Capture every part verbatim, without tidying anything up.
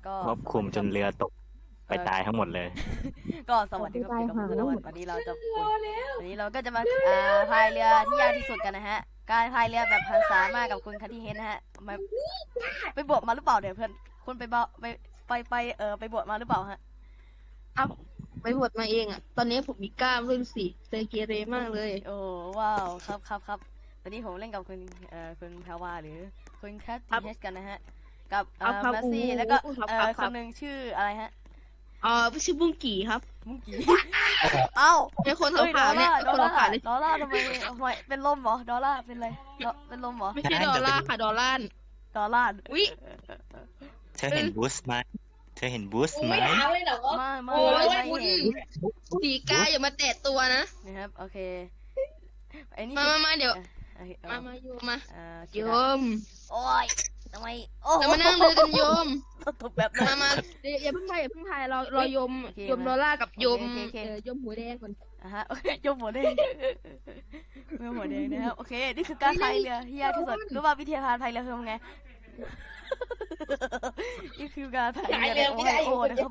ก็ควบคุมจนเรือตกไปตายทั้งหมดเลยก็สวัสดีครับอยู่กับผมธนวัฒน์วันนี้เราจะวันนี้เราก็จะมาอ่าพายเรือที่ยากที่สุดกันนะฮะการพายเรือแบบหันษามากกับคุณคัทที่เฮนนะฮะมาไปบวชมาหรือเปล่าเดี๋ยวเพื่อนคุณไปบวไปไปไปเออไปบวชมาหรือเปล่าฮะครับไปบวชมาเองอ่ะตอนนี้ผมมีกล้ามด้วยสิเซเกเรมากเลยโอ้ว้าวครับครับครับวันนี้ผมเล่นกับคุณเอ่อคุณแพรวาหรือคุณคัทที่เฮนกันนะฮะกับเอ่อแมสซี่แล้วก็เอ่อคนหนึ่งชื่ออะไรฮะอ๋อชื่อบุ้งกี่ครับมุ้งกี้เอ้าไอคนขาวๆเนี่ยดอลคนลาขาวร์ๆเลยดอลลาร์ทำไมทำไมเป็นลมเหรอดอลลาร์เป็นไรเป็นลมเหรอไม่ใช่ดอลลาร์ค่ะดอลลาร์ดอลลาร์วิเธอเห็นบูสไหมเธอเห็นบูสไหมไม่ไม่ไม่ไม่เห็นสีกาอย่ามาแตะตัวนะนะครับโอเคไอ้นี่มามามาเดี๋ยวมามาโยมมาโยมโอ้ยทำไมโอ้เรามานั่งเรือกันโยมตกแบบมามาอย่าเพิ่งไปอย่าเพิ่งไปรอรอโยมโยมดอลลาร์กับโยมโยมหัวแดงก่อนอ่ะฮะโยมหัวแดงโยมหัวแดงนะครับโอเคนี่คือการพายเรือที่ยากที่สุดรู้ป่ะวิธีการพายเรือคือไงนี่คือการพายเรือในโอไฮโอนะครับ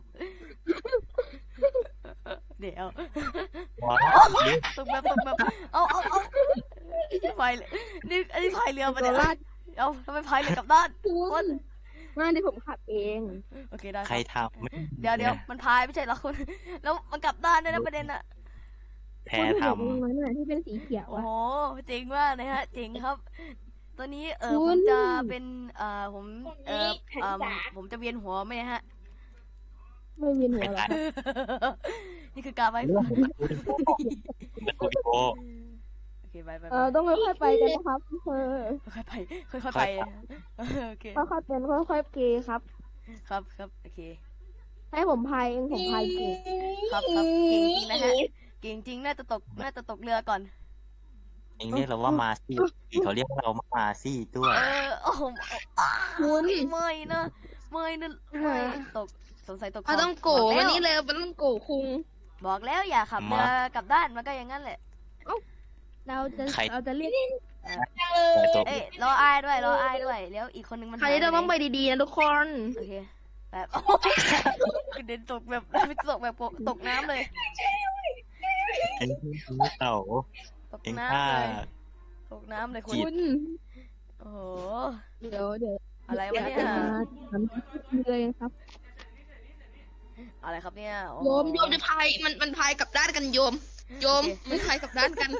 เดี๋ยวตกแบบตกแบบเอาเอาเอาพายนี่อันนี้พายเรือมาเนี่ยเอาทำไมพายเรือกับด้านคุณมาที่ผมขับเองโอเคได้ใครทำเดี๋ยวเดี๋ยวมันพายไม่ใช่หรอคุณแล้วมันกลับด้านด้วยนะประเด็นอะแพ้ทำที่เป็นสีเขียวโอ้โหจริงมากนะฮะจริงครับตอนนี้เออผมจะเป็นเอ่อผมเออเอ่อผมจะเวียนหัวไหมฮะไม่เวียนหัวหรอนี่คือการไปโอเคไปไปเออต้องค่อยๆไปกันนะครับเออค่อยๆไปค่อยๆไปโอเคค่อยๆเป็นค่อยๆเกย์ครับครับครับโอเคให้ผมพายเองผมพายเก่งครับครับเก่งจริงนะฮะเก่งจริงน่าจะตกน่าจะตกเรือก่อนเองเรียกเราว่ามาซี่เขาเรียกเรามาซี่ด้วยเออโอ้โหคุณไม่นะไม่นะไม่ตกสงสัยตกเขาต้องโกวันนี้เลยมันต้องโกคุงบอกแล้วอย่าขับเรือกลับด้านมันก็อย่างนั้นแหละเราจะเราจะเรียกเอ้ยรออ้ายด้วยรออ้ายด้วยแล้วอีกคนนึงมันใครจะต้องไปดีๆนะทุกคนโอเคแบบกระเด็นตกแบบไม่ตกแบบตกน้ำเลยเอ็งเต่าตกน้ำเลยตกน้ำเลยคุณโอ้โหเดี๋ยวเดี๋ยวอะไรวะเนี่ยเลยครับอะไรครับเนี่ยโยมโยมจะพายมันมันพายกับด้านกันโยมโยมมันพายกับด้านกัน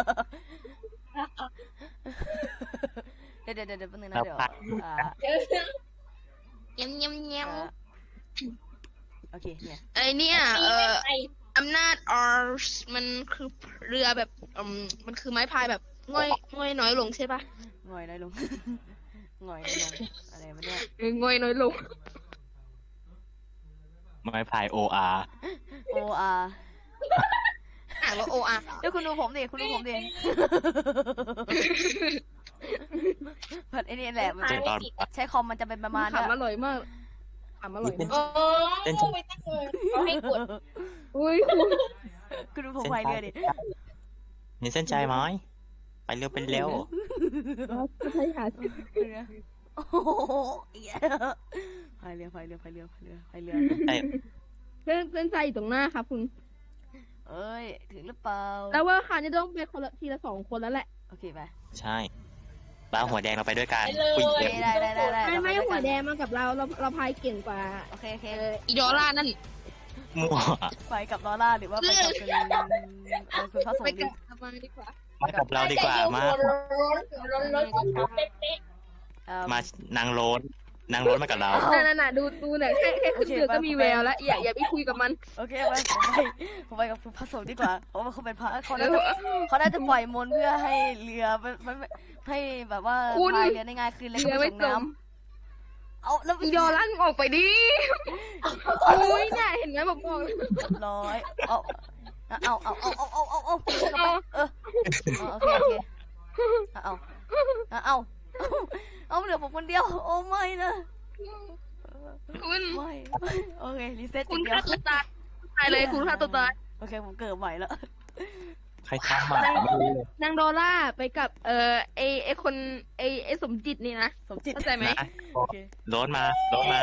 เดี๋ยวเดี๋ยวเดี๋ยวแป๊บนึงนะเดี๋ยวเงี้ยเงี้ยเงี้ยโอเคเนี่ยไอเนี่ยเอ่ออำนาจออร์มันคือเรือแบบอืมมันคือไม้พายแบบง่อยง่อยน้อยลงใช่ปะง่อยน้อยลงง่อยน้อยลงอะไรวะเนี่ยง่อยน้อยลงไม้พายโออาร์โออาร์อ่านว่าโออาร์เดี๋ยวคุณดูผมดิคุณดูผมดิผัดไอ้นี่แหละใช้คอมมันจะเป็นประมาณนี้อร่อยมากอร่อยโอ้ไม่ตั้งเลยเขาให้กดอุ้ยคุณดูผมพายเรือดิเห็นเส้นใจไหมไปเร็วเป็นเร็วใช่ค่ะโอ้โหพายเรือพายเรือพายเรือพายเรือพายเรือเส้นเส้นใจอยู่ตรงหน้าครับคุณเอ้ยถึงหรือเปล่าแล้วว่าค่ะจะต้องเป็นคนละทีละสองคนแล้วแหละโอเคไปใช่ปลาหัวแดงเราไปด้วยกันได้ได้ได้ได้ไม่ไม่หัวแดงมากับเราเราเราพายเก่งกว่าโอเคโอเคอีดอลล่านั่นมั่วไปกับดอลล่าหรือว่าไปกับคุณคุณพระสงฆ์ดีดีกว่ามากับเราดีกว่ามามานางโรนนางโรนมากับเราน่ะน่ะดูดูเนี่ยแค่แค่ขึ้นเรือก็มีแววแล้วอย่าอย่าไปคุยกับมันโอเคไปผมไปกับคุณพระสงฆ์ดีกว่าเพราะว่าเขาเป็นพระเขาน่าจะเขาน่าจะปล่อยมนต์เพื่อให้เรือไม่ให้แบบว่าพายเรือได้ง่ายขึ้นแล้วก็ไม่จมเอาแล้วยอลั่นออกไปดิโอ้ยเนี่ยเห็นไหมบอกบอกร้อยเอาเอาเอาเอาเอาเอาเอาเอาเออโอเคโอเคเอาเอาเอาเหลือผมคนเดียวโอ้ไม่นะคุณไม่โอเครีเซ็ตคุณฆ่าตัวตายตายเลยคุณฆ่าตัวตายโอเคผมเกิดใหม่แล้วใครทำมานางดอลล่าไปกับเอ่อไอไอคนไอไอสมจิตนี่นะสมจิตเข้าใจไหมโรถมาโรถมา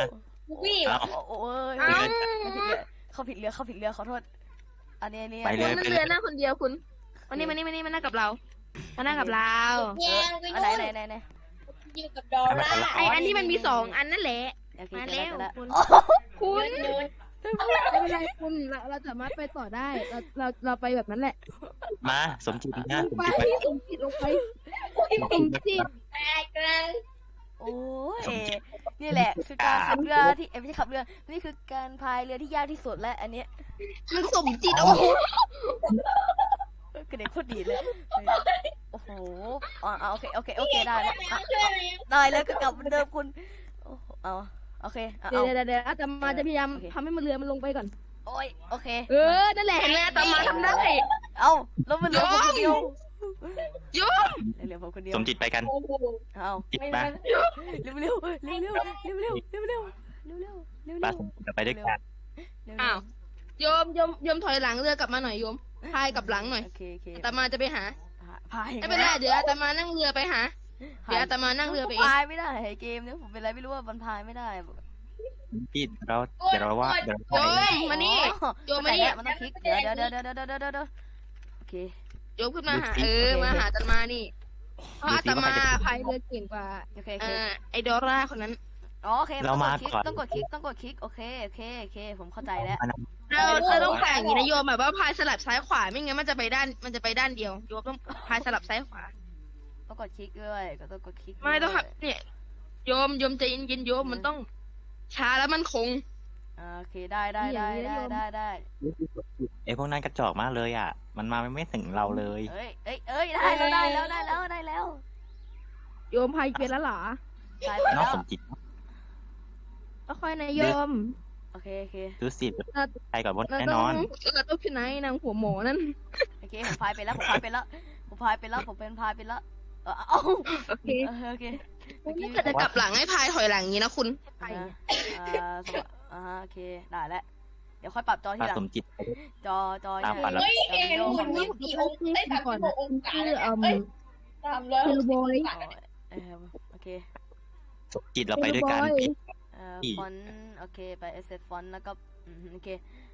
วี่เอ้าโอ้โอ้ยเอ้าเขาผิดเรือเขาผิดเรือเขาผิดเรือขอโทษอันนี้อันนี้ไปคุเลณยนั่งเรือหน้าคนเดียวคุณมานี่มานี่มานี่มานั่งกับเรามานั่งกับเราแย่งไปอันไหนนู่นไหนไหนไหนอยู่กับดอลล่าไออันที่มันมีสองอันนั่นแหละโอเคมาเจอแล้วแล้วคุณอ๋อคุณนู่นไม่เป็นไรคุณเราเราสามารถไปต่อได้ เราเราเราไปแบบนั้นแหละมาสมจิตนะลสงมไปจิตไปสมจิตลงไปสมจิตแตกกันโอ้ยนี่แหละ คือการขับเรือที่เอ้ยไม่ใช่ขับเรือนี่คือการพายเรือที่ยากที่สุดและอันเนี้ยมันสมจิตโอ้โหกระเด็นโคตรดีเลยโอ้โหอ๋ออ๋อโอเคโอเคโอเคได้แล้วอ่ะช่วยอะไรได้แล้วก็กลับเหมือนเดิมคุณโอ้โหเอาโอเคเอาเดี๋ยวเอาเดี๋ยวเดี๋ยวอาตมาจะพยายามโอเคทำให้มันเรือมันลงไปก่อนโอ้ยโอเคเออ นั่นแหละเห็นไหมอาตมาทำได้เอาแล้วมันเหลือผมคนเดียวโยมเหลือผมคนเดียวสมจิตไปกันโอ้โหเอาจิตไม่มาได้เร็วเร็วเร็วเร็วเร็วเร็วเร็วเร็วเร็วเร็วเร็วเร็วปาสมจิตไปด้วยกันเร็วอ้าวโยมโยมโยมถอยหลังเรือกลับมาหน่อยโยมพายกลับหลังหน่อยโอเคโอเคอาตมาจะไปหาพายไม่เป็นไรเดี๋ยวอาตมานั่งเรือไปหา เดี๋ยวอาตมานั่งเรือไปเองพายไม่ได้เกมนี้ผมเป็นอะไรไม่รู้ว่ามันพายไม่ได้จิตเราเดี๋ยวเราว่าเดี๋ยวโยมมานี่ โยมมานี่มันต้องคลิกเดี๋ยวเดี๋ยวเดี๋ยวเดี๋ยวเดี๋ยวเดี๋ยวเดี๋ยวโอเคโยมขึ้นมาหา เออ มาหาอาตมานี่เพราะอาตมาพายเรือเก่งกว่าโอเคโอเอเคอไอดอร่าคนนั้นอ๋อโอเคต้องกดคลิกต้องกดคลิกต้องกดคลิกโอเคโอเคโอเคผมเข้าใจแล้วเราเราต้องแต่งอย่างนี้นะโยมแบบว่าพายสลับซ้ายขวาไม่งั้นมันจะไปด้านมันจะไปด้านเดียวโยมต้องพายสลับซ้ายขวาต้องกดคลิกด้วยก็ต้องกดคลิกไม่ต้องครับเนี่ยโยมโยมใจเย็นๆโยมมันต้องช้าแล้วมันคงโอเคได้ได้ได้ได้ได้ได้ไอพวกนั้นกระจอกมากเลยอ่ะ มันมาไม่ถึงเราเลยเอ้ยเอ้ยเอ้ยได้แล้วได้แล้วได้แล้วได้แล้วโยมพายเป็นแล้วเหรอพายไปนอแล้กวสมจิตก็ค่อยนะโยมโอเคโอเคดูสิไปก่อนบนเราแน่ต้นออง นเราต้องที่ไหนนางหัวหมอนั่นโอเคผมพายไปแล้วผมพายไปแล้วผมพายไปแล้วผมเป็นพายไปแล้วเออเอ้าโอเคโอเคถ้าจะกลับหลังให้พายถอยหลังอย่างนี้นะคุณอ่าอ่าสมอ่าโอเคได้แล้วเดี๋ยวค่อยปรับจอทีปาหลังสมจิตจอจอตามฝันแล้วเฮ้ยเห็นหุ่นยี่สิบสี่องศาได้สามสิบหกองศาชื่เลอย เอ่อเอ้ยสามร้อยคือโบยเออโอเคสมจิตเราไปด้วยกันเอ่ออีกฟอนต์โอเคไปเอสเซฟอนต์แล้วก็อืมโอเคน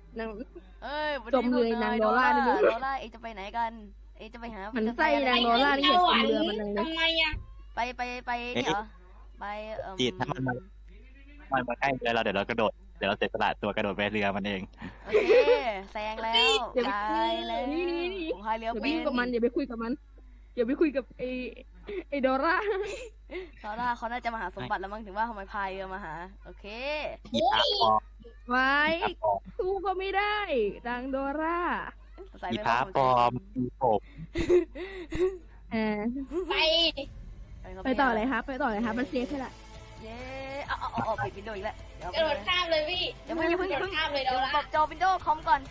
างเอ้ยวันจนี้มเลยพวกนางยโดล่านี่โดล่าเองจะไปไหนกันเองจะไปหามันจะไส้ไปอะไรนางโดล่านี่อยากกินเรือมันเลยทำไมอ่ะไปไปไปนี่เหรอไปเอ่อจิตถ้ามันมา มันมาใกล้เรือเราเดี๋ยวเรากระโดดเดี๋ยวเราเสียสละตัวกระโดดไปเรือมันเองโอเคแซงแล้วตายแล้วผมพายเรือเดี๋ยวเป็วิ่งนกับมันอย่าไปคุยกับมันอย่าไปคุยกับไอไอโดราเขาน่าเขาน่าจะมาหาสมบัติแล้วมั้งถึงว่าทำไมพายเรือมาหาโอเคอีพาปอมไว้อีพาปอมสู้ก็ไม่ได้นางโดราใส่อีไปพาปอมอีโอบเออไปไปต่อเลยครับไปต่อเลยครับมันเซฟแค่ละเย้เอาเอาเอาปิดวิดีโออีกแล้วเดี๋ยวกระโดดข้ามเลยพี่อย่าเพิ่งอย่าเพิ่งอย่ากระโดเพิ่ดงข้ามเลยเดี๋เดี๋ยยว วปรัละบจอวินโดว์คอมก่อน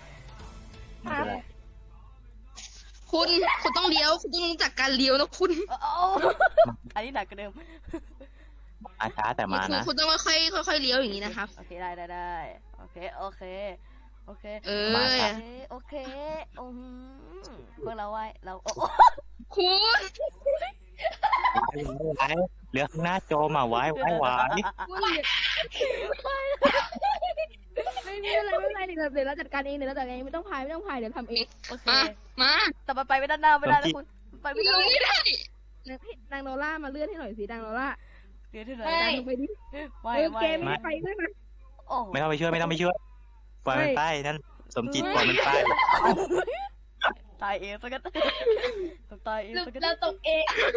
คุณคุณต้องเลี้ยวคุณต้องรู้จักการเลี้ยวนะคุณเอาเอาอันนี้หนักกว่าเดิมมาช้าแต่มาคุณนะคุณต้องค่อยๆค่อยๆเลี้ยวอย่างนี้นะครับโอเคได้ได้ได้โอเคโอเคโอเคเอโออเคโอเคอืมพวกเราไว้เราโอ้คุณไว้เรือข้างหน้าโจมอ่ะไว้ไว้ไว้คุณไม่มีอะไรไม่เป็นไรเดี๋ยวเดี๋ยวเราจัดการเองเดี๋ยวเราจัดการเองไม่ต้องพายไม่ต้องพายเดี๋ยวทำเองโอเคมามาแต่มันไปไม่ด้านหน้าไม่ได้นะคุณไปไม่ลได้งไม่ได้นางโนล่ามาเลื่อนให้หน่อยสินางโนล่าเดี๋ยวที่ไหนดันลงไปดิไม่เออไม่เกมไม่ไปด้วยนะโอ้ไม่ต้องไปช่วยไม่ต้องไปช่วยปล่อยมันไปนั่นสมจิตปล่อยมันไปตายเองสักกันต้องตายเองสักกันเราตกเอง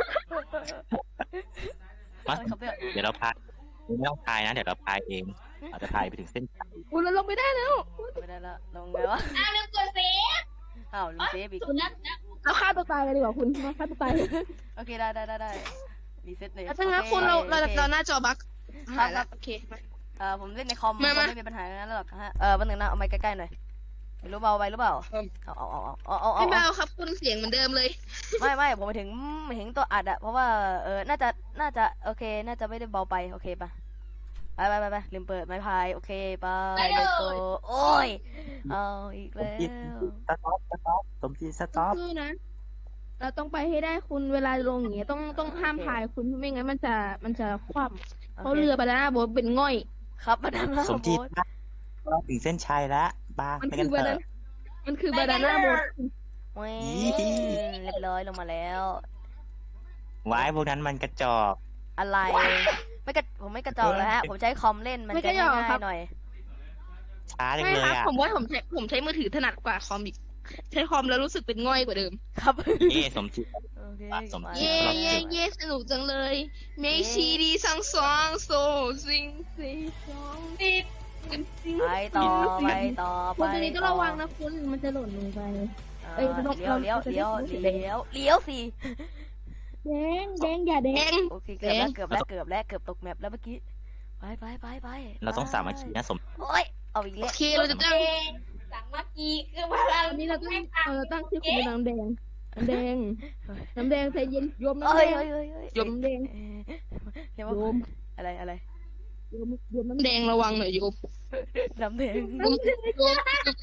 มาอะไรครับเนี่ยเดี๋ยวเราพายไม่ต้องพายนะเดี๋ยวเราพายเองอาจจะพายไปถึงเส้นชัยคุณเราลงไปได้แล้วไม่ได้ละลงไงวะอ้าวลืมกดเซฟอ้าวลืมเซฟอีกสุนัขนะเราฆ่าตัวตายเลยดีกว่าคุณมาฆ่าตัวตายโอเคได้ได้ได้ได้รีเซ็ตเลยถ้างั้นคุณเราเราเราหน้าจอบั๊กครับครับโอเคมาเอ่อผมเล่นในคอมมามาไม่มีปัญหาอย่างนั้นหรอกฮะเออวันหนึ่งนะเอาไม้ใกล้ๆหน่อยไม่รู้เบาไปหรือเปล่าเอาเอาเอาเอาเอาเอาไม่เบาครับคุณเสียงเหมือนเดิมเลยไม่ไม่ผมไปถึงไปถึงตัวอัดอะเพราะว่าเออน่าจะน่าจะโอเค น่าจะไม่ได้เบาไปโอเคปะไปไปไปไปลืมเปิดไม้พายโอเคไปเลยโกโอ้ยเอาอีกแล้วสต็อปสต็อปสมจิตสต็อปคือนะ เราต้องไปให้ได้คุณเวลาลงอย่างเงี้ยต้องต้องห้ามพายคุณไม่งั้นมันจะมันจะคว่ำเพราะเรือไปแล้วนะโบทเป็นง่อยโครับบานาน่าสมโบ๊จิตทเราถึงเส้นชัยแล้วบ้ามันไปคืกัอน บาเถนาอะมันคือบานาน่าโบ๊ทเว้ยอีเรียบร้อยลงมาแล้วไว้พวกนั้นมันกระจอกอะไรไม่กระผมไม่กระจอกแล้วฮะ ผมใช้คอมเล่นมันจะง่ายๆหน่อยช้าจังไม่เลยครับอ่ะผมว่าผมใช้ผมใช้มือถือถนัดกว่าคอมอีกใช้คอมแล้วรู้สึกเป็นง่อยกว่าเดิมครับเอ๊ะสมจิตโอเคสมมาจิตเย่ครับเย่เย่สนุกจังเลยเมชีดีซังซองโซซิงซีซองติดไปต่อไปต่อไปคุณตัวนี้ต้องระวังนะคุณมันจะหล่นลงไป เอ้เอ้ยยนกเลี้ยวเราเลี้ยวจะได้เลี้ยวรู้สึกเลี้ยวเลี้ยวสิแดงแดงอย่าแดแดงงโอเคเกือบแล้วเกือบแล้วเกือบแล้วเกือบตกแมปแล้วเมื่อกี้ไปไปไปไปเราต้องสามัคคีนะสมโอ้ยเอาอีกโอแล้วเคเราจะตั้งสามัคคีคือพลังอันนี้เราต้องเออตั้งชื่อคุณเป็นน้ำแดงน้ำแดงน้ำแดงใจเย็นโยมน้ำเอ้แดยงเอ้ยเอ้ยเอ้ยโยมน้ำแดงเอ้ยเรียกโยว่าม อะไรอะไรโยมโยมน้ำแดงระวังหน่อยโยมน้ำแดงโยมโยม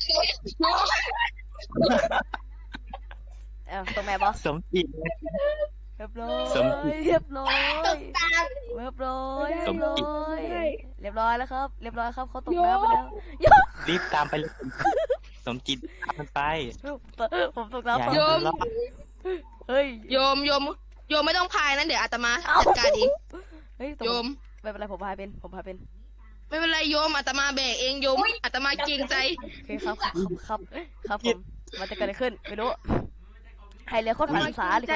เอ้าตกแมปบอสสมจิตเรียบร้อสมยเรียบร้อยตามเรียบร้อยสเรียมบร้จิตอยเรียบร้อยแล้วครับ เรียบร้อยครับเขาตกน้ำไปแล้วรีบตามไปเลยสมจิตตามมันไปผมตกอย่าน้ำให้ไปโยมันมรอดเฮ้ยโยมโยมโยมไม่ต้องพายนะเดี๋ยวอาตมาเอ้าจัดการเองเฮ้ยโยมไม่เป็นไรผมพายเป็นผมพายเป็นไม่เป็นไรโยมอาตมาแบกเองโยมอาตมาเกรงใจโอเคครับครับครับครับผมมันจะเกิดอะไรขึ้นไม่รู้ให้เรือโคตรอาตผ่านมาสาเกรเล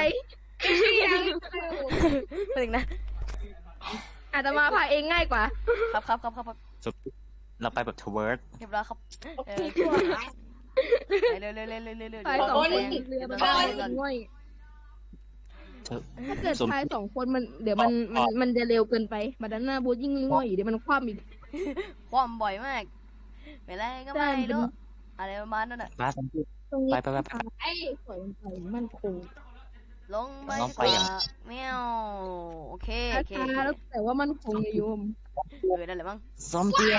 งยใจคนนึงนะอาตมาพายเองง่ายกว่าครับครับครับครับครับสมจิตเราไปแบบทเวิร์ดเรียบร้อยครับเออไปเร็วเร็วเร็วเร็วเร็วเร็วพายสองคนเรือมันได้ง่อยเธอถ้าเกิดสมพายสองคนมันเดี๋ยวมันมันมันจะเร็วเกินไปบานาน่าบูทยิ่งง่อยเดี๋ยวมันคว่ำอีกความบ่อยมากไม่ไรก็ไม่ใช่มันเป็นรู้อะไรประมาณนั้นอ่ะมาสมจิตตรงนี้ไปไปไปไปไอ้สวยไปมันคงลงไปลงไปดีกอย่างว่าแมวโอเคโอเคช้าๆแล้วแต่ว่ามันคงโยมเออนั่นแหละมั้งสมจิต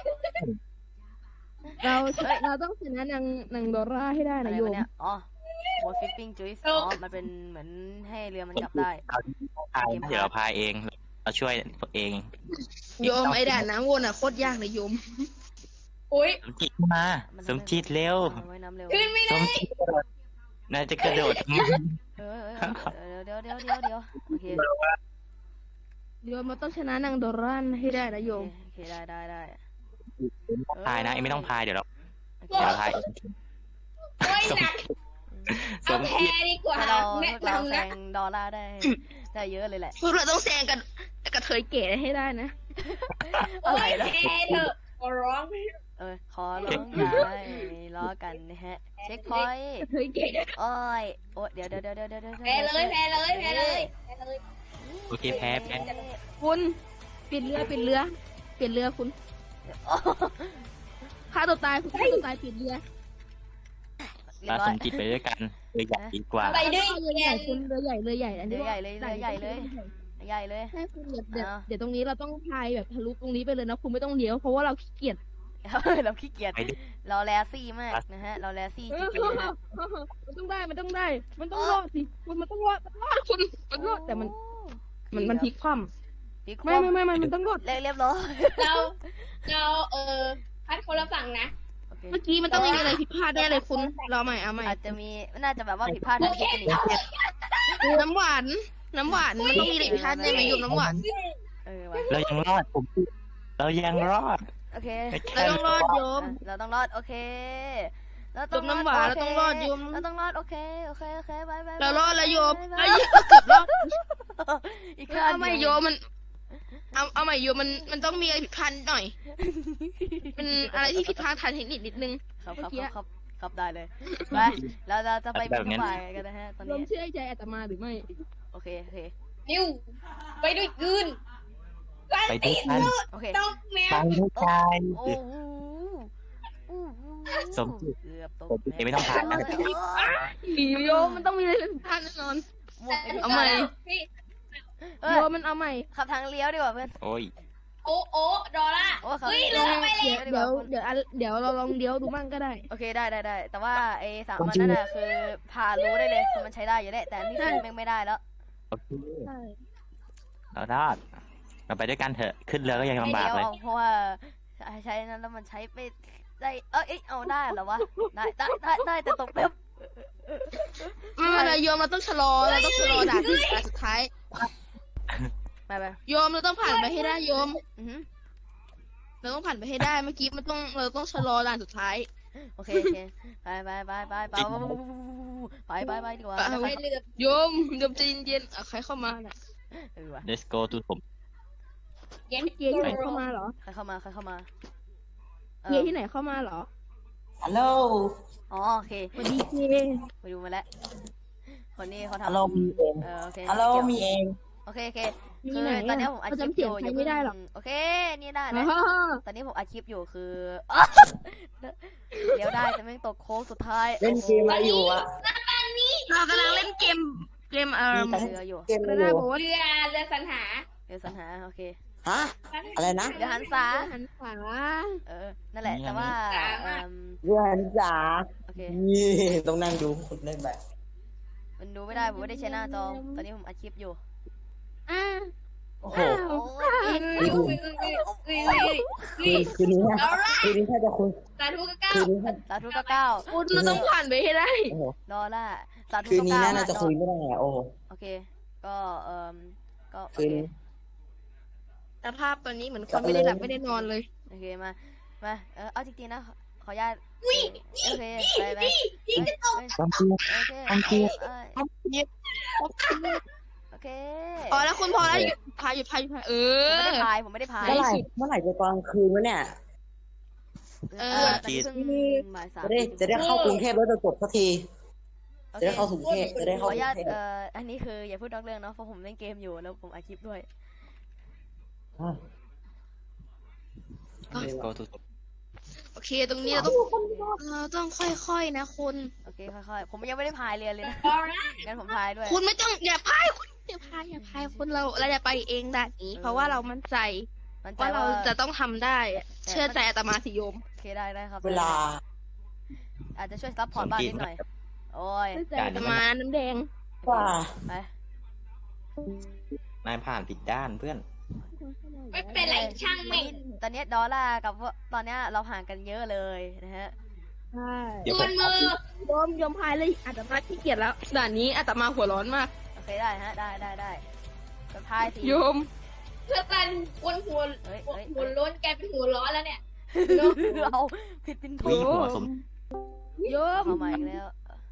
เราเราต้องชนะนางนางดอร่าให้ได้อะไรนะโยวะมเนี่ยอ๋อโบฟิปปิ้งจุ๊ยอ๋อมันเป็นเหมือนให้เรือมันจับได้เราพายเดี๋ยวเราพายเอง เราช่วยตัวเองโยมไอ้ด่านน้ำวนอ่ะโคตรยากเลยโยมอุ้ยสมจิตมา สมจิตเร็วเอาไว้น้ำเร็วขึ้นไม่สได้มจิตนายจะกระโดดทำไมเออเออเดี๋ยวเดี๋ยวเดี๋ยวเดี๋ยวเดี๋ยวโอเคโยมเราต้องชนะนางดอร่าให้ได้นะโยโอมเคโอเคได้ได้ได้พายนะเอ็มไม่ต้องพายเดี๋ยวเราโอเคเดี๋ยวเราพายเองโอ้ยหนักสเอามแพจิตดีกว่าถ้าเราแนะพวกเราแซนำนะงดอลลาร์ได้ได้เยอะเลยแหละพวกเราต้องแซงกันกระเทยเก๋ให้ได้นะโอ้ยแพเถอะขอร้องเออขอร้องอย่าให้ล้อกันนะฮะเช็คพอยต์กระเทยเก๋โอ้ยโอ้ยเดี๋ยวเดี๋ยวเดี๋ยวเดี๋ยวเดี๋ยวเดี๋ยวแพ้เลยแพ้เลยแพ้เลยแพ้เลยโอเคแพ้แพ้คุณปิดเรือปิดเรือปิดเรือคุณโอ้ฆ่าตัวตายคุณฆ่าตัวตายปิดเรือเรียมาบร้อสยมจิตไปด้วยกันเลยใหญ่ดีกว่าไปด้วยเรือใหแกญ่นคุณเรือใหญ่เรือใหญ่อันนี้เรือใหญ่เลยเรือใหญ่เลย ใหญ่เลยใช่คุณเดี๋ยวเดี๋ยวอ่าเดี๋ยวตรงนี้เราต้องพายแบบทะลุตรงนี้ไปเลยนะคุณไม่ต้องเลี้ยวเพราะว่าเราขี้เกียจเราขี้เกียจไปดิเราแลซี่มากนะฮะ เราแลซี่จริงๆนะฮะมันต้องได้มันต้องได้ มันต้องรอดสิคุณมันต้องรอดมันรอดคุณมันรอดแต่มันมันมันพลิกคว่พลิกำคไม่ว่ำไม่ไม่มันมันต้องรอดเรียบเรียบร้อยเราเราเออพัดคนละฝั่งนะโอเคเมื่อกี้มันต้องมีอะไรผิดพลาดแน่เลยคุณเราใหม่เอาใหม่อาจจะมีน่าจะแบบว่าผิดพลาดทางเทคนิคน้ำหวานน้ำหวานมันต้องมีอะไรผิดพลาดแน่ไหมโยมน้ำหวานเออว่ะเรายังรอดผมเรายังรอดโอเคเราต้องรอดโยมอ่ะเราต้องรอดโอเคเราต้องโยมน้ำหวานเราต้องรอดโยมเราต้องรอดโอเคโอเคโอเคบายบายเรารอดแล้วโยมบายเอ้บายยเกือบรอดอีกเอาขั้นใหม่โยมมัน เอาเอาใหม่โยมมันมันต้องมีอะไรผิดพลาดหน่อย เป็นอะไรที่ผิดพลาดทางเทคนิคนิดนึงครับครับเมื่อกี้ครับครับได้เลยไปเราเราจะไปแบบนั้นบ่ายกันนะฮะตอนโยมนี้เชื่อใจอาตมาหรือไม่โอเคโอเคนิวไปด้วยกืนกันไปด้ติวยดกันโอเคต้องแมไปวด้วยกันโอ้โหโอ้โหสมจิตเกือบตกสมจิตไม่ต้องผ่านนะโยมมันต้องมีอะไรผิดพลาดแน่นอนหมดไปทุกเอาใหม่พี่เอ้ยโยมมันเอาใหม่ขับทางเลี้ยวดีกว่าเพื่อนโอ้ยโอ้โอ้ดอลล่าโอ้ขับเฮ้ยทางเราเลี้ยวไปเดี๋แล้ยว วเดี๋ยวเดี๋ยวอันเดี๋ยวเราลองเลี้ยวดูมั่งก็ได้โอเคได้ได้ได้แต่ว่าไอ้สามมันนั่นน่ะคือผ่านรู้ได้เลยคือมันใช้ได้อยู่แล้วแต่อันนี่คือแม่งไม่ได้แล้วโอเคใช่เรารอดเราไปด้วยกันเถอะขึ้นเรือก็ยังไม่ลำบากเดียวเลยเอาเพราะว่าใช้นั้นแล้วมันใช้ไปได้เอ้ยเอาได้เหรอวะได้ได้ได้ได้แต่ตกเป๊บไม่เป็นไรโยมเราต้องชะลอเราต้องชะลอด่านที่ด่านสุดท้ายไปไปโยมเราต้องผ่านไปให้ได้โยมอือหือเราต้องผ่านไปให้ได้เมื่อกี้มันต้องเราต้องชะลอด่านสุดท้ายโอเคโอเคไปไปไปไปไปไปไปไปดีกว่าเอาไว้ไม่เลือกโยมโยมใจเย็นๆอ่ะใครเข้ามาน่ะเออว่ะ let's go to ผมเย็นเกียร์ที่ไหนเข้ามาเหรอใครเข้ามาใครเข้ามาเอเกียอร์ที่ไหนเข้ามาเหรอฮัลโหลอ๋อโอเคสวัสดีเกียร์ไปดูมาแล้วคนนี้เขาทำฮัลโหลมีเองเออโอเคฮัลโหลเกี่ยวมีเองโอเคโอเคมีคือไหนตอนอ่ะนี้ผมอัดเขาคลิปจำอเสียงยู่ใครอย่าไม่เพิ่งได้หรอกโอเคนี่ได้อ๋นะอตอนนี้ผมอัดคลิปอยู่คือ เดี๋ยวได้แต่แม่งตกโค้งสุดท้ายเล่นเกมอะไรอยู่อะเรากำลังเล่นเกมเกมเอ่อเรืออยู่เกมกอะไรระอดายู่บอกว่าเรือเรือสรรหาเรือสรรหาโอเคฮะอะไรนะเรือหันษาหันขวาเออนั่นแหละแต่ว่าเอิ่มเรือหันษาโอเคนี่ต้องนั่งดูคนเล่นแบบมันดูไม่ได้ผมไม่ได้ใช้หน้าจอตอนนี้ผมอัดคลิปอยู่อ่าโอ้โหโอ้ยอีกอุ้ยอุ้ยอุ้ยอุ้ยอุ้ยอุ้ยคืนนี้นะคืนนี้ถ้าจะคุยสาธุก็เก้าคืนนี้ถ้าสาธุก็เก้าคุณเราต้องผ่านไปให้ได้โอ้โหดอลล่าสาธุคืนก็นี้เก้าน่าจะคุยไม่ได้อะโอ้โหโอเค ก็เอ่มก็โอคืนเคนี้สภาพตอนนี้เหมือนคนไม่ได้หลับไม่ได้นอนเลยโอเคมามาเออเอาจริงๆนะขออนุญาตโอเคไปไปพี่จะตกความจริงโอเคความจริงเอ้ยโอเคพอแล้วคุณพอแล้วหยุดพายหยุดพายหยุดพายเอผมไม่อได้พายผมไม่ได้พายเมื่อไหร่เมื่อไหร่จะตอนคืนวะเนี่ยเอเอออตอนนี้เพิ่งบ่ายสามจะได้จะได้เข้ากรุงเทพแล้วจะจบสักทีโอจะเคได้เข้ากรุงเทพจะได้ขเข้าอก อนุรุญาตงเทพเอ่ออันนี้คืออย่าพูดนอกเรื่องเนาะเพราะผมเล่นเกมอยู่แล้วผมอัดคลิปด้วยอ่ะ let's go to โอเค ตรงนี้เราต้องเราต้องค่อยๆนะคุณโอเคค่อยๆผมยังไม่ได้พายเรือเลยนะงั้นผมพายด้วยคุณไม่ต้องอย่าพายคุณอย่าพายอย่าพายคุณเราเราจะไปเองด่านนี้ เพราะว่าเรามั่นใจมันใจว่าเราว่าจะต้องทำได้อะเชื่อใจอาตมาสิโยมโอเคได้ได้ครับเวลาอาจจะช่วยซัพพอร์ตบ้างนิดหน่อยโอ้ยเชื่อใจอาตมาน้ำแดงว่าไปนายผ่านผิดด้านเพื่อนไม่เป็นไรช่างแม่งตอนนี้ดอลลาร์กับตอนนี้เราห่างกันเยอะเลยนะฮะใช่เดี๋ยวส่ผวนมมือโยมโยมพายเลยอาตมาขี้เกียจแล้วด่านนี้อาตมาหัวร้อนมากโอเคได้ฮะได้ได้ได้จะพายสิโยมเพื่อกันวนหัวเฮ้ยหัวเฮ้ยหัวล้นแกเป็นหัวร้อนแล้วเนี่ยเราผิดเป็นถูวิ่กงหัวสมโยมเข้ามาอีกแล้ว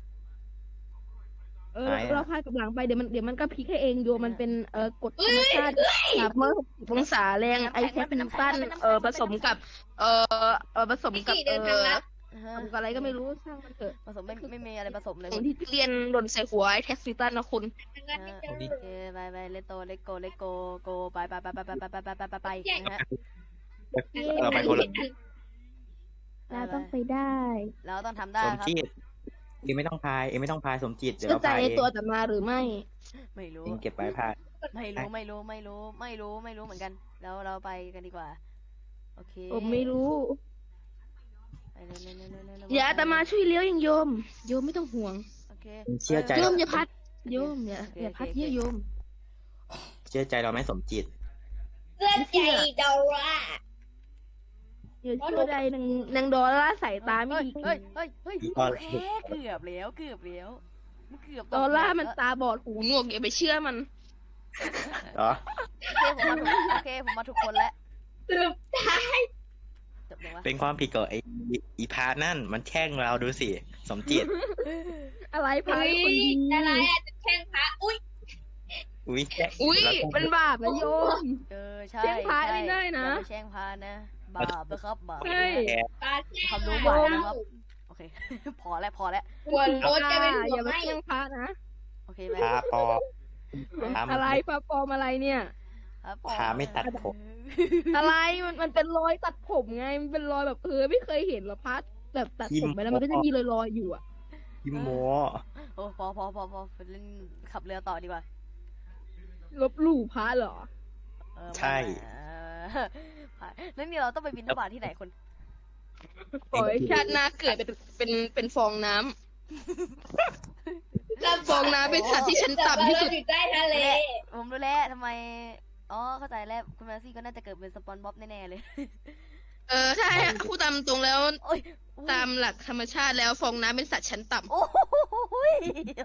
เออไหนอะเราพายกับหลังไปเดี๋ยวมันเดี๋ยวมันก็พลิกให้เองโยมมันเป็นเออกฎธรรมชาติสามร้อยหกสิบองศาแรงไอแคปนิวตันเออผสมกับเออเออผสมกับพี่เอเดินทางอลัดอ่าผฮะสมกับอะไรก็ไม่รู้ช่างมันเถอะผสมไม่ไม่มีอะไรผสมเลยของที่เรียนหล่นใส่หัวไอแท็กซิตันนะคุณทางลัดไม่เจอโอเคไปไปเลตโตเลโกเลโกโกไปไปไปไปไปไปไปไปไปไปนะฮะเราไปคนละเราต้องไปได้เราต้องทำได้สมครับจิตเองไม่ต้องพายเองไม่ต้องพายสมจิตเดี๋ยวเชื่อเราใจพายในเองตัวอาตมาหรือไม่ไม่รู้เองเก็บไว้พายไม่รู้ไม่รู้ไม่รู้ไม่รู้ไม่รู้เหมือนกันแล้วเราไปกันดีกว่าโอเคผมไม่รู้ไปเร็วเร็วเร็วเร็วเร็วเร็วอย่าอาตมาช่วยเลี้ยวอย่างโยม โยมไม่ต้องห่วงโอเคเองเชื่อใจโยเรามอย่าพัด โยมอย่าอย่าพัดเยอะโยมเชื่อใจเราไหมสมจิตเพื่อนใจดอลลาร์อย่าช่วยใดนางนางดอลล่าร์สายตาไม่เฮ้ยดีเฮ้ยเฮ้ยเฮ้ยตอนโอเคเกือบแล้วเกือบแล้วมันเกือบตกดอลล่าร์มันแล้วตาบอดหูหนวกอย่าไปเชื่อมันเหรอโอเคผมมาถูกโอเคผมมาถูกคนแล้วสรุปจบเลยวะเป็นความผิดของไอ้อีพานั่นมันแช่งเราดูสิสมจิตอะไรพาอุ้ยยคนดีอะไรอาจจะแช่งพระอุ้ยอุ้ยแช่งอุ้ยเราต้องเป็นบาปนะโยมเออใช่แช่งพระใช่ไม่ได้นะอย่าไปแช่งพานะบาปนะครับบาปใช่นะปลาแช่งความรู้ใหม่นะครับโอเค พอแล้วพอแล้วหัวโล้นแกเป็นหัอวย่าไหมาม้เชื่องพระนะโอเคไหมพาปอ พามันอะไรพระปลอมอะไรเนี่ยครับผพาไม่ตัดผมอะไรมันมันเป็นรอยตัดผมไง มันเป็นรอยแบบเออไม่เคยเห็นหรอพัดแบบตัดผมไปแล้วมันก็จะมีรอยรอยๆอยู่อะยิมโมโอ้พอพอพอพอไปเล่นขับเรือต่อดีกว่าลบหลู่พระเหรอเออใช่เออแล้วนี่เราต้องไปบินทบาทที่ไหนคนปล่อยชาติหน้าเกิดเป็นเป็นเป็นฟองน้ำฟองน้ำเป็นสัตว์ที่ชั้นต่ำที่สุดอยู่ใต้ทะเลผมรู้แล้วทำไมอ๋อเข้าใจแล้วคุณแมซี่ก็น่าจะเกิดเป็นสปอนบ๊อบแน่ๆเลยเออใช่พูดตามตรงแล้วโอ้ยตามหลักธรรมชาติแล้วฟองน้ำเป็นสัตว์ชั้นต่ำโอ้ย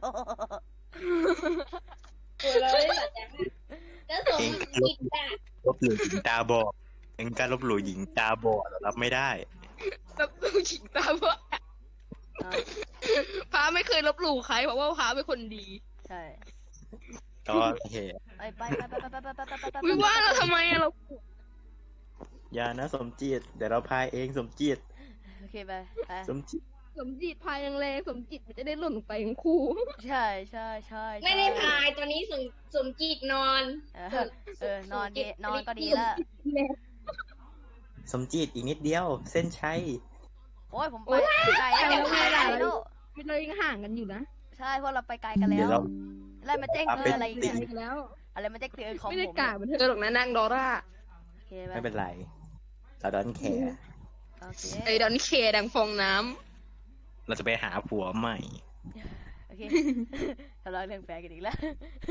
ตัวเราได้แบบจังก็สมจิตอ่ะลบหลู่หญิงตาบอดเองการลบหลู่หญิงตาบอดเรารับไม่ได้ลบหลู่หญิงตาบอดพระไม่เคยลบหลู่ใครเพราะว่าพระเป็นคนดีใช่ก็โอเคไปไปไปไปไปไปไปไปไปวิว่าเราทำไมอะเราอย่านะสมจิตเดี๋ยวเราพายเองสมจิตโอเคไปไปสมจิตสมจิตพายแรงๆสมจิตมันจะได้หล่นลงไปทั้งคู่ใช่ใช่ใช่ไม่ได้พายตอนนี้สมสมจิตนอนเออเออนอนดีนอนก็ดีละสมจิตอีกนิดเดียว เส้นชัยโอ้ยผมไปไกลแล้วไปไกลแล้วไม่เรายังห่างกันอยู่นะใช่เพราะเราไปไกลกันแล้เดี๋ยว วเราแล้วมาแจ้งเตือนอะไรอีกติเนี่ยกันแล้วอะไรมาแจ้งเตือนของไม่ผได้มกล่าวเหมือนเธอหรอกนะนางดอร่าโอเคไปไม่เป็นไรเราดอนแคร์โอเคไอ้ดอนเคดังฟองน้เราจะไปหาผัวใหม่โอเคทะเลาะเรื่องแฟนกันอีกแล้ว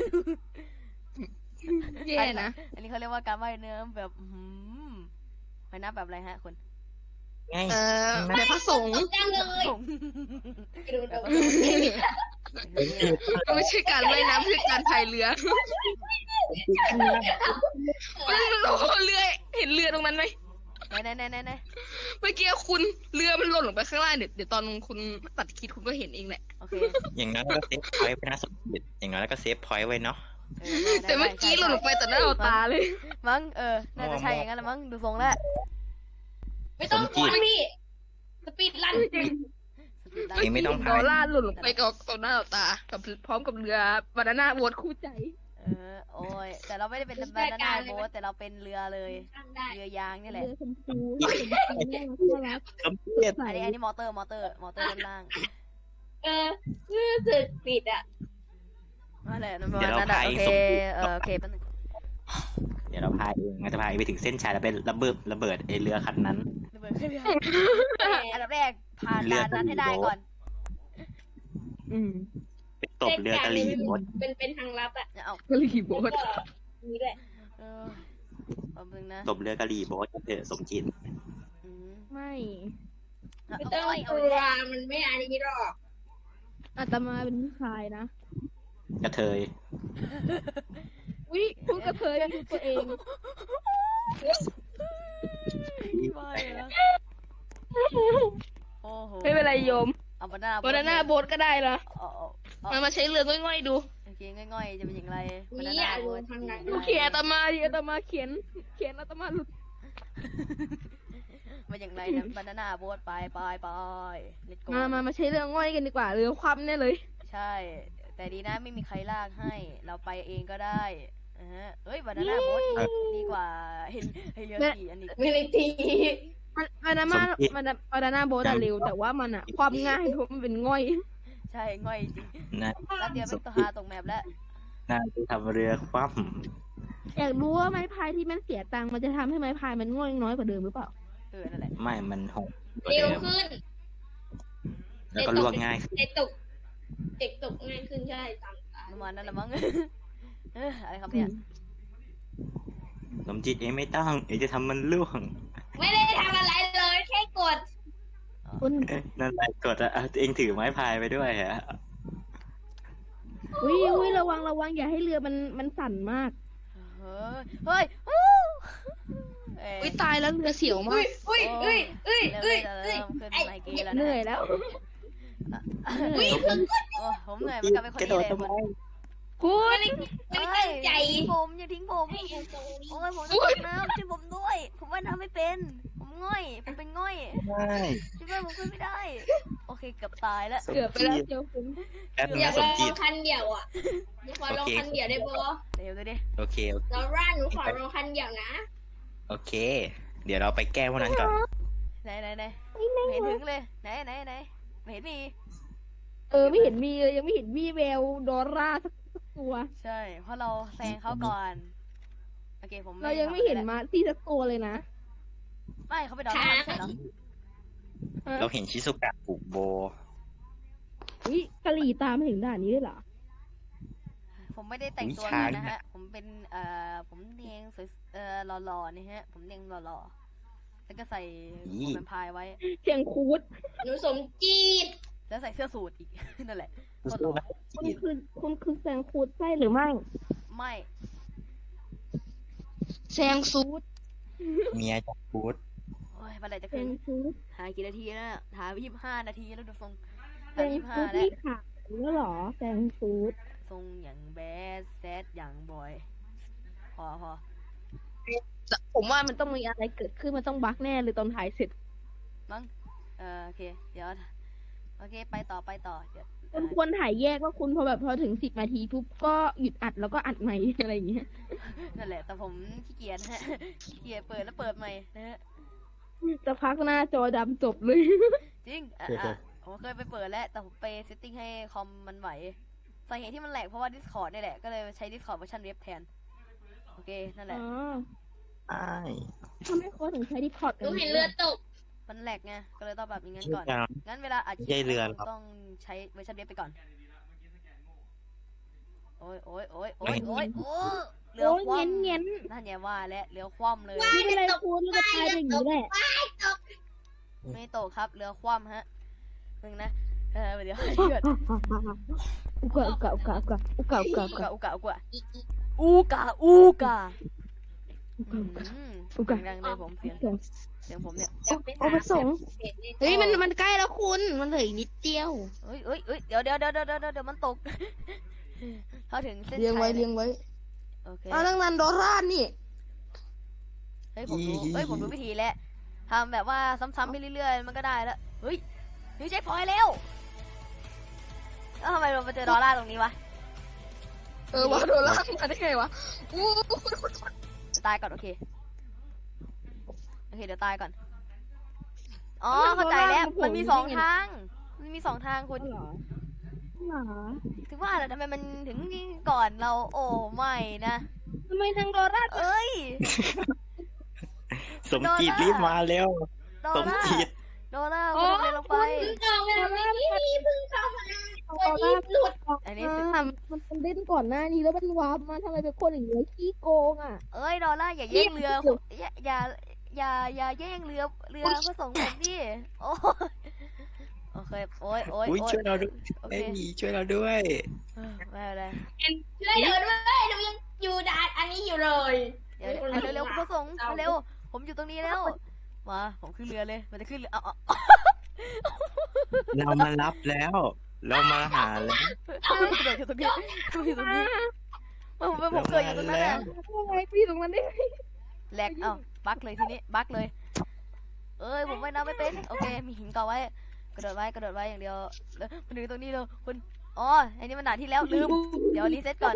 ำแย่นะอันนี้เขาเรียกว่าการว่ายน้ำแบบหืมว่ายน้ำแบบอะไรฮะคุณไงเออแบบพระสงฆ์จังเลยผมไปดูตัวก็ไม่ใช่การว่ายน้ำคือการพายเรือโอ้โหเรือเห็นเรือตรงนั้นไหมไหนไหนไหนไหนไหนเมื่อกี้คุณเรือมันหล่นลงไปข้างล่างเดี๋ยวเดี๋ยวตอนคุณตัดคลิปคุณก็เห็นเองแหละโอเคอย่างนั้นก็เซฟพอยต์ไว้นะสมจิตอย่างนั้นแล้วก็เซฟพอยต์ไว้เนาะเออได้ได้แต่เมื่อกี้หล่นลงไปต่อหน้าต่อตาเลยมั้งเออน่าจะใช่อย่างนั้นละมั้งดูทรงแล้วไม่ต้องกลัวพี่สปีดลันเองไม่ต้องดพาอย ลลาร์หล่นลงไปกับต่อหน้าต่อตากับพร้อมกับเรือบานาน่าโบ๊ทคู่ใจเออโอ้ยแต่เราไม่ได้เป็นบานาน่าโบ๊ทแต่เราเป็นเรือเลยตั้งได้เรือยางนี่แหละเรือชมพูชมพูน่ารักสมจิตอันนี้อันนี้มอเตอร์มอเตอร์มอเตอร์ด้านล่างเออรู้สึกปิดอ่ะนั่นแหละประมาณนั้นอะโอเคเออโอเคแป๊บนึงเดี๋ยวเราพายเองเราจะพายไปถึงเส้นชัยแล้วไประเบิดระเบิดไอเรือคันนั้นระเบิดขึ้นเรืออันดับแรกผ่านด่านนั้นให้ได้ก่อนอืมไปตบเรือกะหรี่บดเป็นเป็นทางลับอ่ะเอากะหรี่โบ๊ทก็มีด้วยเออแป๊บนึงนะตบเรือกะหรี่บดเถอะสมจิตอืมไม่ไม่ต้องเอากเอาลัวเอามันไม่อันนี้หรอกอาตมาเป็นผู้ชายนะกระเทยวิพูดกระเทยดูตัวเองไม่นะโอ้โหไม่เป็นไรโยมเอาบานาบานาน่าโบ๊ทก็ได้ละเอาเอาเอามันมาใช้เรือง่อยๆดูโอเคง่อยๆจะเป็นอย่างไรบานานี่น่าอ่ะโบ๊ททางนั้นดูเขียนอาตมาดิอาตมาเขียน เขียนอาตมาหลุดมาอย่างไรนะบานาน่าโบ๊ทไปไปไปเลตโกมามามาใช้เรือง่อยกันดีกว่าเรือคว่ำแน่เลยใช่ แต่ดีนะไม่มีใครลากให้ เราไปเองก็ได้อ่าฮะเอ้ยบานาน่าโบ๊ทดีกว่าเห็นให้เรือขี่อันนี้ไม่ได้ทีมันบานาน่ามันบานาน่าโบ๊ทอะเร็วแต่ว่ามันอะความง่ายเพราะมันเป็นง่อยใช่ง่อยจริงนะแล้วเดียวเป็นตัวหาตรงแมปแล้วน่าจะทำเรือคว่อยากรู้ว่าไม้พายที่มันเสียตังค์มันจะทำให้ไม้พายมันง่อยน้อยกว่าเดิมหรือเปล่าเออนั่นแหละำไม่มันหกกว่าเร็วเดิมขึ้นแล้วก็ลวกง่ายขึ้นเด็กตกเด็กตกง่ายขึ้นใช่ตามตาประมาณนั้นละมั้ง เอออะไรครับเนี่ยสมจิตเองไม่ต้องเองจะทำมันล่วงไม่ได้ทำอะไรเลยแค่กดคุณเอ๊ะนั่นแหละกดอะอ่ะเองถือไม้พายไปด้วยฮะอุ้ยอุ้ยระวังระวังอย่าให้เรือมันมันสั่นมากเฮ้ยเฮ้ยอู้เอ้ยอุ้ยตายแล้วเรือเสียวมาอุ้กยอุ้ยอุ้ยอุ้ยเริ่มอุ้ยเริ่มอุ้ยขึ้นไมเกรนแล้วเหนะนื่อยแล้วอุ้ยคือโอ้ผมเหนื่อยเหมือนกันเป็นคนกระโดนี้ดเลยทำไมคุณไม่ได้ตั้งใจทิ้งผมอย่าทิ้งผมให้แอนโทนีโอ้ยผมจะตกน้ำช่วยผมด้วย ผมว่ายน้ำไม่เป็น ผมง่อย ผมเป็นง่อยใช่ช่วยด้วยผมขึ้นไม่ได้ โอเคเกือบตายแล้วสมเกือบไปแล้วจิตเจียวคุณแป๊บนึงอยานะกสลมองจิตคันเดียวอ่ะหนูขอลองคันเดียวได้ปะเดี๋ยวดูดิโอเคโอเคลอร่าหนูขอลองคันเดียวนะโอเค เดี๋ยวเราไปแก้พวกนั้นก่อนไหนไหนไหนไม่เห็นถึงเลย ไหนไหนไหนไม่เห็นมีเออไม่เห็นมีเลยยังไม่เห็นมีแววดอร่าสักสักตัวใช่ เพราะเราแซงเขาก่อน โอเคผมเรายังไม่เห็นมาซี่สักตัวเลยนะไม่เขาไปดอนไม่ใช่เหรอฮะเราเห็นชิซุกะผูกโบอุ้ยกะหรี่ตามมาถึงด่านนี้ด้วยเหรอผผมไม่ได้แต่งตัวอุ๊ยช้างเงินนะฮะ ผมเป็นเอ่อผมเนียงสวยเอ่อหล่อๆนี่ฮะ ผมเนียงหล่อๆแล้วก็ใส่หมวกแวมไพร์ไว้เสียงคูดหนูสมจีดแล้วใส่เสื้อสูทอีก นั่นแหละสู้หล่อๆนะคุณคือคุณคือแซงคูดใช่หรือไม่ไม่แซงซูดเมียจะพูดโอ้ยเมื่อไหร่จะแซขึ้นงซูดหากี่นาทีแล้วน่ะหายี่สิบห้านาทีแล้วดูทรงแซหาง ยี่สิบห้าซูดแล้วที่ขาดแล้วเหรอแซงซูดทรงอย่างแบดแซดอย่างบอย พอพอผมว่ามันต้องมีอะไรเกิดขึ้นมันต้องบั๊กแน่เลยตอนถ่ายเสร็จมั้งเออโอเค เดี๋ยว โอเค ไปต่อไปต่อ เดี๋ยวคุณควรถ่ายแยกว่าคุณพอแบบพอถึงสิบนาทีปุ๊บก็หยุดอัดแล้วก็อัดใหม่ อะไรอย่างเงี้ยนั่นแหละ แต่ผมขี้เกียจฮะ ขี้เกียจเปิดแล้วเปิดใหม่นะฮะจะพักหน้าจอดำจบเลยจริง อ่ะอ่ะผมเคยไปเปิดแล้ว แต่ผมไปเซตติ้งให้คอมมันไหวสาเหตุที่มันแหลกเพราะว่า Discord นี่แหละ ก็เลยใช้ Discord เวอร์ชันเว็บแทน โอเค นั่นแหอ๋ละอใช่ทำไมเขาถึงใช้ดิพอร์ตหกันูนเห็นเรือตกมันแหลกไง ก็เลยต้องแบบอย่างนั้นชื่อก่อนการงั้นเวลาอัดคลิไม่ใช่เรือปหรอกต้องใช้เวอร์ชันเว็บไปก่อน โอ้ยโอ้ยโอ้ยโอ้ยโอ้ยโอ้ยเรือโอ้ยคว่เงี้ยเงี้ยำนั่นไงว่าแล้วเรือคว่ำเลยไม่เป็นไรคุณก็ตายไปอย่างนี้แหละไม่ตกครับ เรือคว่ำฮะนึงนะ เออเดี๋ยวเกิดอุกะอุกะอุกะอุกะอุกะอุกะอุอุกะกะอุกะอุกะอูกะอูกะอุอืกะมอุกะดังๆเลยผมเสียงอุกะเสียงผมเนี่ยโอ้ประสงค์เฮ้ยมันมันใกล้แล้วคุณมันเหลืออีกนิดเดียวเอ้ยเอ้ยเอ้ยเดี๋ยวเดี๋ยวเดี๋ยวเดี๋ยวเดี๋ยวเดี๋ยวมันตก เขาถึงเส้นเลี้ยงชัไว้ยเลี้ยงไว้โอเคเอาเรื่องนันโดรานี่เฮ้ยผมรู้เฮ้ยผมรู้วิธีแล้วทำแบบว่าซ้ำๆไปเรื่อยๆมันก็ได้แล้วเฮ้ยนี่เช็คพอยต์แล้วแล้วทำไมเรามาเจอดอลลาร์ตรงนี้วะเออว่าโดรามาได้ไงวะอู้จะตายก่อนโอเคโอเคเดี๋ยวตายก่อนอ๋อเข้าใจแล้วมันมีสองทางมันมีสองทางคุณเหรอเหรอถึงว่าแหละทำไมมันถึงก่อนเราโอ้ไม่นะทำไมทางโดราเอ้ยสมจีบรีบมาเร็วดอสลมลาจีร์บดอลลาร์คุณทำอะไรลงไปเพิ่งเข้ามาเมื่อกี้เพิ่งเข้ามาโดราหลุดอันนี้สิมันมันเล่นก่อนหน้านี้แล้วมันวาร์ปมาทำไมเป็นคนอย่างเงี้ยขี้โกงอ่ะเอ้ยดอลลาร์อย่าแย่งเรืออย่าอย่าอย่าอย่าแย่งเรือเรือพระสงฆ์ผมดิโอ้ยโอเคโอ้ยโอ้ยอุ้ยโอ้ยช่วยเราด้วยโอไม่เคมีช่วยเราด้วยเออไม่เป็นไรช่วยหนูด้วยหนูยังอยู่ด่านอันนี้อยู่เลยเดี๋ยวเร็วเร็วๆพระสงฆ์เร็วผมอยู่ตรงนี้แล้วมาผมขึ้นเรือเลยมันจะขึ้นเรือเอาเอาเรามารับแล้ว เรามาหาแล้วเอากระโดดอยู่ตรงนี้ผมอยู่ตรงนี้ผมผมเกิดอยู่ตรงนั้นน่ะทำไมพี่ตรงนั้นได้ไงแหลกเอ้าบั๊กเลยทีนี้บั๊กเลย เอ้ยผมว่ายน้ำไม่เป็นโอเคมีหินเกาะไว้ กระโดดไว้กระโดดไว้อย่างเดียวแล้วมันถึงตรงนี้เลยคุณอ๋ออันนี้มันด่านที่แล้วลืมเดี๋ยวรีเซ็ตก่อน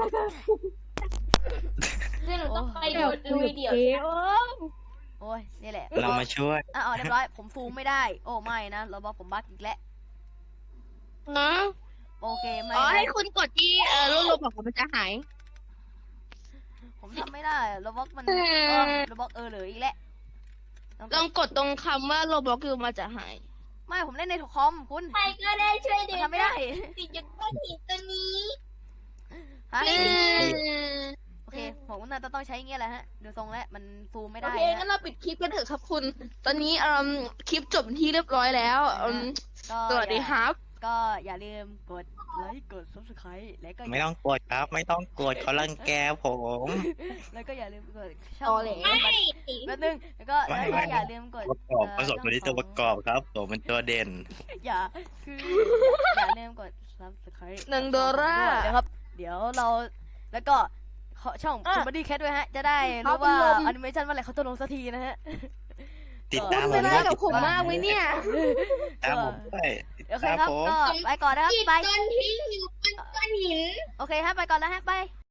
เดี๋ยวหนูต้องไปดูดูวิดีโอเอ๋อโอ้ยนี่แหละเรามาช่วยอ่ะเอาเรียบร้อยผมซูมไม่ได้ โอ้ไม่นะเราบอกผมบั๊กอีกแล้วนะโอเคไม่อ๋อให้นะคุณกดที่เออรูปบอกว่ามันจะหายผมทำไม่ได้เราบอกมันเออเออเราบอกเออเหลืออีกแล้วต้องลองกดตรงคำว่าโรบล็อกอยู่มันจะหายไม่ผมเล่นในคอมคุณใครก็ได้ช่วยเด็ทำไม่ได้ติดอยู่ก้อนหินตัวนี้ฮะเออโอเคผมน่าจะต้องใช้อย่างเงี้ยแหละฮะเดี๋ยวทรงแล้วมันซูมไม่โอได้เคงั้นนะเราปิดคลิปกันเถอะครับคุณ ตอนนี้เอ่มคลิปจบที่เรียบร้อยแล้วอืมก็สวัสดีครับก็อย่าลืมกดไลค์กด subscribe แล้วก็ไม่ต้องกดครับ ไม่ต้องกดเขารังแกผมแล้วก็อย่าลืมกดช่องต่อแหลของบันแป๊บนึงแล้วก็ไม่แล้วก็ไม่อย่าลืมกดประกอบผสมตัวนี้ตัวประกอบครับผมเป็นตัวเด่นอย่าคืออย่าลืมกด subscribe หนึ่งดอลลาร์ด้วยนะครับ เดี๋ยวเราแล้วก็ขอช่องอ่ะคุณบัดดี้แคทด้วยฮะ จะได้ครัรู้บว่าคุณลมแอนิเมชันเมื่อไหร่เขาจะลงสักทีนะฮะติดตามเป็เรานอะไรด้วยกับติดผมตามมากไหมเนี่ยตามผมด้วยโอเคครับผมก็ไปก่อนนะครับติดไปก้อนทิ้งอยู่บนก้อนหินโอเคฮะไปก่อนแล้วฮะไป